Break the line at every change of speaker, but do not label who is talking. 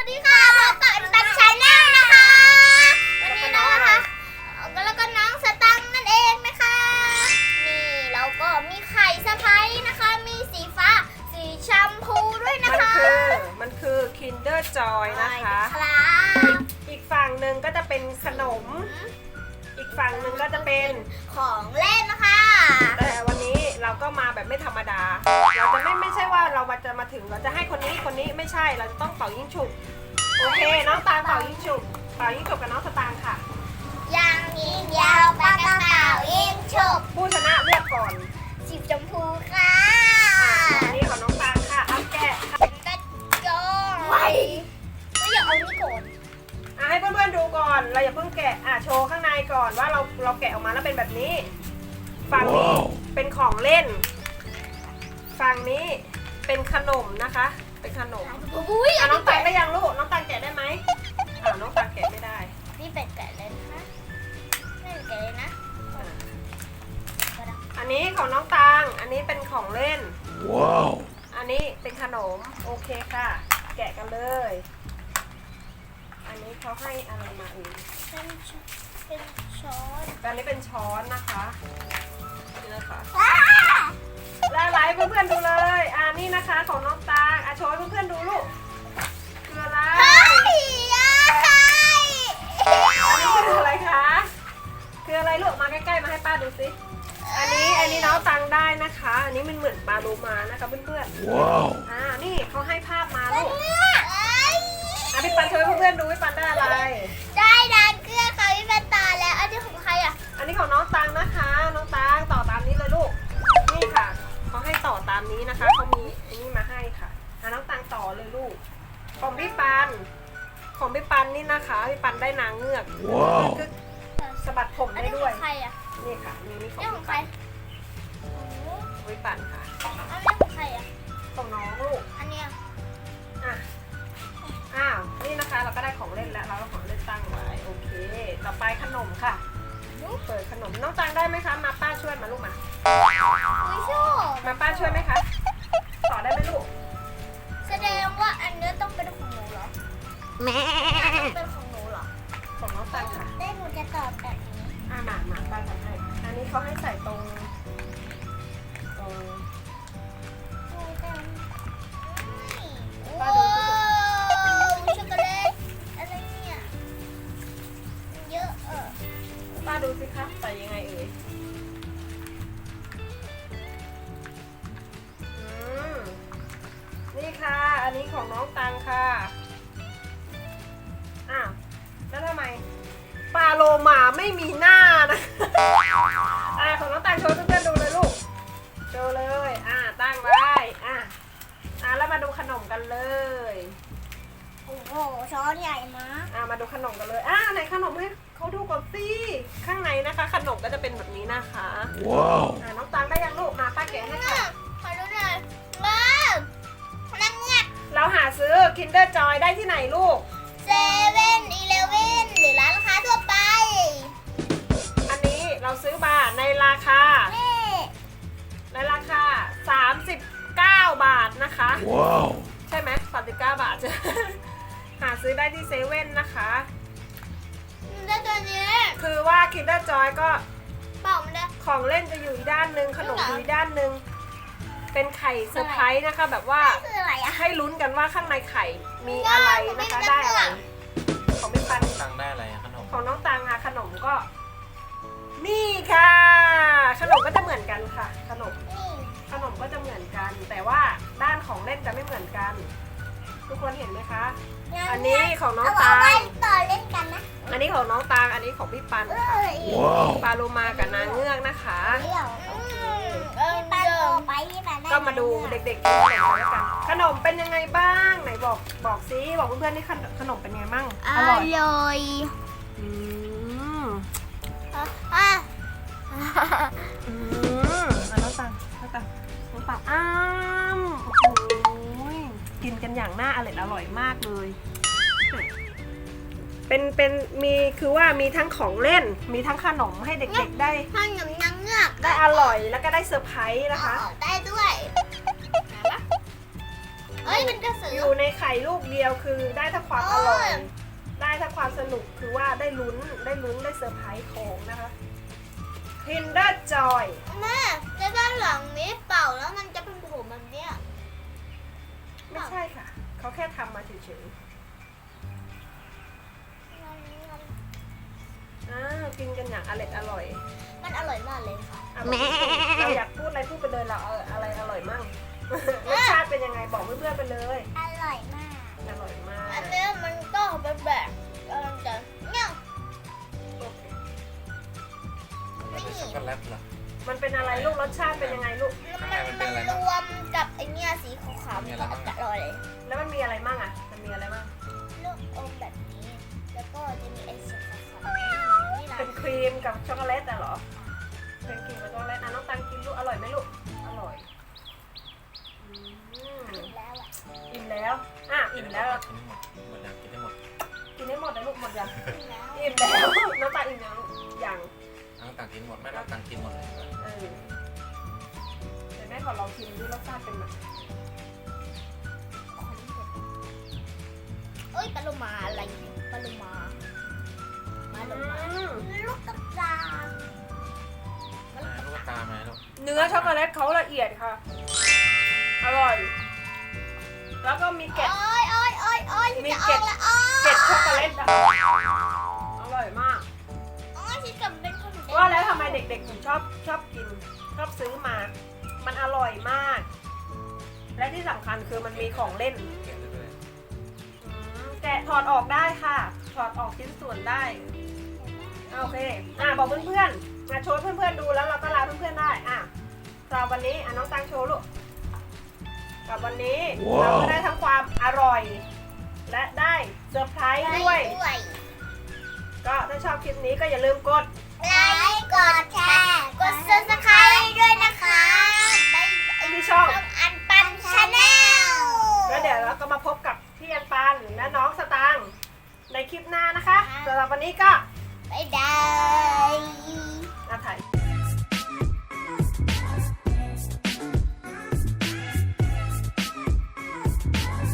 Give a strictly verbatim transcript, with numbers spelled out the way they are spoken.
วัสดีค่ะพบกับตันชาแนลนะคะวันนี้นะคะแล้วก็น้องสตังค์นั่นเองนะคะนี่เราก็มีไข่สะพ้ายนะคะมีสีฟ้าสีชมพูด้วยนะ
มัน
คะ
คือมันคือ Kinder Joy นะคะ
ครับ
อีกฝั่งหนึ่งก็จะเป็นขนม อีกฝั่งหนึ่งก็จะเป็น
ของเล่นนะคะ
แต่วันนี้เราก็มาแบบไม่ธรรมดา เราจะไม่ไม่ใช่ว่าเราจะมาถึงเราจะให้คนนี้คนนี้ไม่ใช่เราจะต้องเป่ายิ่งฉุกโอเคน้องตาลเป่ายิ่งฉุกเป่ายิ่งฉุกกับน้องสตางค์ค่ะ
ยางยิงยาวปากกระเป๋ายิงฉุบ
ผู้ชนะเลือกก่อน
สีชมพูค่ะ
อ่านี่ของน้องตาลค่ะเอาแกะค่ะ
กระโจนไว้ก็อย่าเอานี่ก่อน
อ่ะให้เพื่อนๆดูก่อนเราอย่าเพิ่งแกะอ่ะโชว์ข้างในก่อนว่าเราเราแกะออกมาแล้วเป็นแบบนี้ฝั่งนี้เป็นของเล่นฝั่งนี้เป็นขนมนะคะเป็นขนม
อุ้ย
อ่ะน้องตังได้ยังลูกน้องตังแกะได้ไหมอ่าน้องตังแกะไม่ได้
นี่เป็ดแกะเลยนะคะไม่แกะเลยนะ
อ่ะอันนี้ของน้องตังอันนี้เป็นของเล่นว้าวอันนี้เป็นขนมโอเคค่ะ แกะกันเลยอันนี้เขาให้อะไรมาอีก
เป็นเป็นช้อน
อันนี้เป็นช้อนนะคะนี่นะคะแล้วไลฟ์เพื่อนๆดูเลยอ่านี่นะคะของน้องตาอ่ะโชว์ให้เพื่อนๆดูลูกคืออะไร
เฮ้ยยาย
อันนี้คืออะไรคะคืออะไรลูกมาใกล้ๆมาให้ป้าดูสิอันนี้อันนี้น้องตังได้นะคะ อันนี้มันเหมือนปลาโลมานะคะเพื่อนๆว้าวอ่านี่เขาให้ภาพมาลูกอ่ะพี่ปันโชว์ให้เพื่อนๆดูพี่ปันได้อะไร
ได้ดานเกลือค่ะพี่เป็นตาแล้วอันนี้ของใครอ่ะ
อันนี้ของน้องตังนะคะ น้องตังต่อตามนี้เลยลูก นี่ค่ะเขาให้ต่อตามนี้นะคะเขามีอันนี้มาให้ค่ะอ่ะน้องตังต่อเลยลูก ของพี่ปัน ของพี่ปันนี่นะคะพี่ปันได้นางเงือกว้าวสะบัดผม
อัน
ได้
นี้ข
ด้ว
อย งใครอ่ะ
นี่ค่ะนี่นี่ของ
นี่ขอ
พี่
งใคร
ปันพี่ปันค่ะ
อันนี้ของใครอ่ะ
ของน้องลูก
อันเนี้ย
อ่ะอ้าวนี่นะคะเราก็ได้ของเล่นแล้วเราก็ของเล่นตั้งไว้โอเค ต่อไปขนมค่ะเปิดขนมน้องตังได้ไหมคะมาป้าช่วยมาลูกมา
อุ้ยชอบ
มาป้าช่วยไหมคะ ต่อได้ไหมลูก
แสดงว่าอันนี้ต้องเป็นของหนูเหรอแม่ต้องเป็นของหนูเหรอ
ของน้องตังค่ะ
ได้หนูจะตอบแบบนี้
อ่าหมาหมาป้าทำให้ อันนี้เขาให้ใส่ตรงตรง
โอ้ช็อกโกแลตอะไรเนี่ยเยอะเออ
ป้าดูสิคะใส่ยังไงเอ่ยอืมนี่ค่ะ อันนี้ของน้องตังค่ะอ้าวแล้วทำไมปลาโลมาไม่มีหน้านะอ่าของน้องตังโชว์เพื่อนๆดูเลยลูกโชว์เลยอ่าตั้งไว้อ่าอ่าแล้วมาดูขนมกันเลย
โอ้โหช้อนใหญ่มาก
อ่ามาดูขนมกันเลยอ่าไหนขนมให้เขาดูก่อนสิข้างในนะคะ ขนมก็จะเป็นแบบนี้นะคะว้าวอ่าน้องตังได้ยังลูกมาป้าแกะให้ค่ะ
ขอดูหน่อยว้าวนั่งเงียบ
เราหาซื้อ Kinder Joy ได้ที่ไหนลูก
เซเว่นอีเลฟเว่นหรือร้านค้าทั่วไป
อันนี้เราซื้อมาในราคา
แม่
ในราคาสามสิบเก้าบาทนะคะว้าวใช่ไหมสามสิบเก้าบาท หาซื้อได้ที่เซเว่นนะคะ
แล้วตัวนี้
คือว่า Kinder Joy ก็
เปล่ามันได้
ของเล่นจะอยู่อีกด้านหนึ่งขนมอยู่อีกด้านหนึ่งเป็นไข่เซอร์ไพรส์นะคะ แบบว่า
คืออะไรอะ
ให้ลุ้นกันว่าข้างในไข่มีอะไรนะคะได้อะไรของพี่ปัน
ตังได้อะไรอะขนม
ของน้องตังอะขนมก็ นี่ค่ะ ขนมก็จะเหมือนกันค่ะ ขนม
นี่
ขนมก็จะเหมือนกัน แต่ว่าด้านของเล่นจะไม่เหมือนกัน ทุกคนเห็นไหมคะ อันนี้ของน้อง
เอา
ตั
ไว้
ง
ต่อเล่นกันนะ
อันนี้ของน้องตังอันนี้ของพี่ปัน
เอ้
ค่ะ
ย
ปลาโลมากับนางเงือกนะคะ
เดี๋ยวเออปันโตไปที่มันได้
ก็มาดูเด็กๆกินขนมแล้วกัน ขนมเป็นยังไงบ้างไหนบอกบอกซิบอกเพื่อนๆนี่ขนมเป็นยังไงบ้าง
อร่อย
อืม
อ่ะ
อืมอ่ะน้องตังน้องตังน้องตังอ้ามโอ้โหกินกันอย่างน่าอร่อยอร่อยมากเลย เป็นเป็นมีคือว่ามีทั้งของเล่น มีทั้งขนมให้เด็กๆได้
ขนมนางเงือก
ได้อร่อยแล้วก็ได้เซอร์ไพรส์นะคะ
ได้ด้วยเอ้ยมันกระสือ
อยู่ในไข่ลูกเดียวคือได้ทั้งความอร่อย
โอ้ย
ได้ทั้งความสนุกคือว่าได้ลุ้นได้ลุ้นได้เซอร์ไพรส์ของนะคะ Kinder Joy
แม่แล้วด้านหลังมีเป่าแล้วมันจะเป็นผมแบบเนี้ย
ไม่ใช่ค่ะ เขาแค่ทำมาเฉยๆอ้าวกินกันอย่างอร่อยอร่อย
มันอร่อยมากเลยค่ะ
อ่ะบอกเราอยากพูดอะไรพูดไปเลยเราเอาอะไรอร่อยมั่ง รสชาติเป็นยังไงบอกเพื่อนๆไปเลย
อร่อยมาก
อร่อยมาก
อันเนี้ยมันก็เป็นแบบกำลังจะเนี่ย
โอเค
มันเป็นช็อกโกแลตเหรอ
มันเป็นอะไรลูกรสชาติเป็นยังไงลูก
มันมันรวมกับไอเนี่ยสีขาวๆ
มี
มัน
อะไร
ก็
บ้าง
อร่อยเลย
แล้วมันมีอะไรมั่งอ่ะมันมีอะไรมั่ง
ลูกอมแบบนี้ แล้วก็จะมีไอสีขาวๆนี่นะ
เป็นครีมกับช็อกโกแลตอะเหรอเป็นครีมกับช็อกโกแลตอ่ะน้องตังกินลูกอร่อยไหมลูกอร่อยอืม
แล้วอ่ะ
อิ่มแล้วอ่ะอิ่มแล้ว
กินให้หมดหมดยังกินให้หมด
กินให้หมดนะลูกหมดยัง
แล้ว
อิ่มแล้ว น้องตาอิ่มยังลูกยัง
น้องต่างกินหมดแม่น้องต่างกินหมดเลย
เออเดี๋ยวแม่ขอลองชิมดูรสชาติเป็นแบบไหน
เอ้ยปลาโลมาอะไรปลาโลมาปลาโลมา
อืม
ลูกกระตา
แม่ลูกตาไหมลูก
เนื้อช็อกโกแลตเขาละเอียดค่ะ อร่อย แล้วก็มีเกล็ด
โอ้ยโอ้ยโอ้ยโอ้ย
มี
จะ
เกล็
อ
ด
อกละอ้อ
เกล็ดช็อกโกแลตอะอร่อยมาก
โอ้ยฉันกับเป็นคนเด็ก
ว่าแล้วทำไมเด็กๆถึงชอบชอบกิน ชอบซื้อมา มันอร่อยมาก และที่สำคัญคือมันมีของเล่น
แกะเลย
อืมแกะถอดออกได้ค่ะ ถอดออกชิ้นส่วนได้ โอเค อ่ะบอกเพื่อนๆมาโชว์เพื่อนๆดูแล้วเราก็ลาเพื่อนๆได้ อ่ะสำหรับวันนี้อ่ะน้องตังโชว์ลูกสำหรับวันนี้เราก็ได้ทั้งความอร่อย และได้เซอร์ไพรส์ด้วย
ด้วย
ก็ถ้าชอบคลิปนี้ก็อย่าลืมกด
ไลค์กดแชร์กด ซับสไครบ์ ด้วยนะคะบ๊ายบาย
ที่ช่อง
ช่องอันปันชาแนล
แล้วเดี๋ยวเราก็มาพบกับพี่อันปานและน้องสตางค์ในคลิปหน้านะคะสำหรับวันนี้ก็
บ๊ายบาย